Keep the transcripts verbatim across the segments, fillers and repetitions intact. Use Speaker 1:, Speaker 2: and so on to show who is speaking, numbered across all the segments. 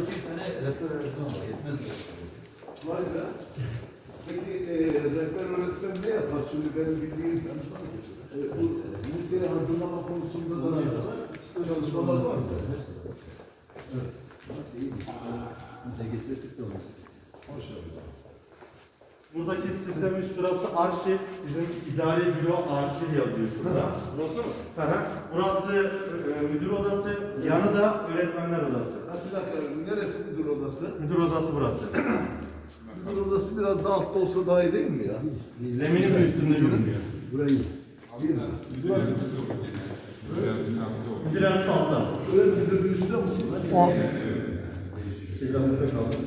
Speaker 1: iki sene rehber öğretmen var. Yetmez mi?
Speaker 2: Vay be. Peki e, rehber öğretmen ne yapar? Şimdi benim bildiğim e, bu liseye hazırlama konusunda da çalışmalar var mı?
Speaker 1: Evet. Nasıl iyi? Bize getirdik de onu.
Speaker 2: Maşallah.
Speaker 3: Buradaki sistemin şurası arşiv, bizim idari büro arşiv yazıyor şurada.
Speaker 2: Burası mı?
Speaker 3: Hı hı. Burası e, müdür odası, yanı da öğretmenler odası.
Speaker 2: Ha, bir dakika, neresi müdür odası?
Speaker 3: Müdür odası burası.
Speaker 2: Müdür odası biraz daha altta olsa daha iyi değil mi ya?
Speaker 3: Zeminin de üstünde görünüyor.
Speaker 2: Burayı. Burası.
Speaker 3: Müdür yardımcısı altta.
Speaker 2: Öyle müdürün üstüne mi?
Speaker 4: O
Speaker 3: Şehirası'da kaldı.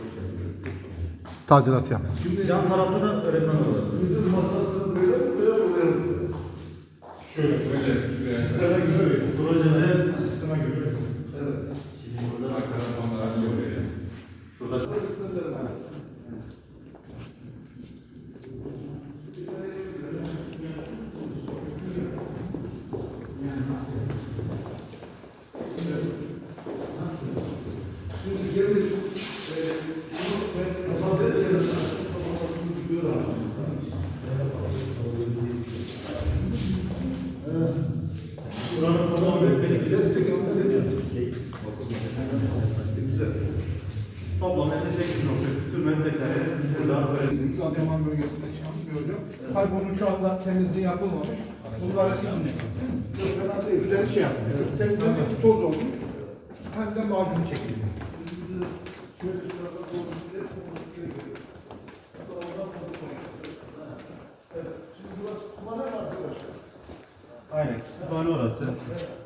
Speaker 4: tadilat yap.
Speaker 3: Yan tarafta da öğretmenler odası.
Speaker 2: Müdür masası böyle mi? Böyle mi? Böyle mi?
Speaker 3: Şöyle, şöyle. Sisteme göre. Projede sisteme göre.
Speaker 2: Evet.
Speaker 3: Şimdi burada telefonlar açıyor. Şurada.
Speaker 2: Şimdi gelin, e, şunu ben ifade ederim. Kafasını tutuyor abi. Evet.
Speaker 3: Buranın tamam öğretmeni.
Speaker 2: Ses de gönderelim. Güzel.
Speaker 3: Toplam elli sekiz nokta küsur metrekare burada öğretmen.
Speaker 4: Adıyaman bölgesinde çıkan bir hocam. Tabii bunun şu anda temizliği yapılmamış. Bunlar güzel şey yapıyor. Temizlenmiş, toz olmuş. Hem de macun çekiliyor.
Speaker 2: Şöyle şurada konuşuyor. Evet. Şimdi burası kumane mi arkadaşlar?
Speaker 3: Aynen. Kütüphane orası.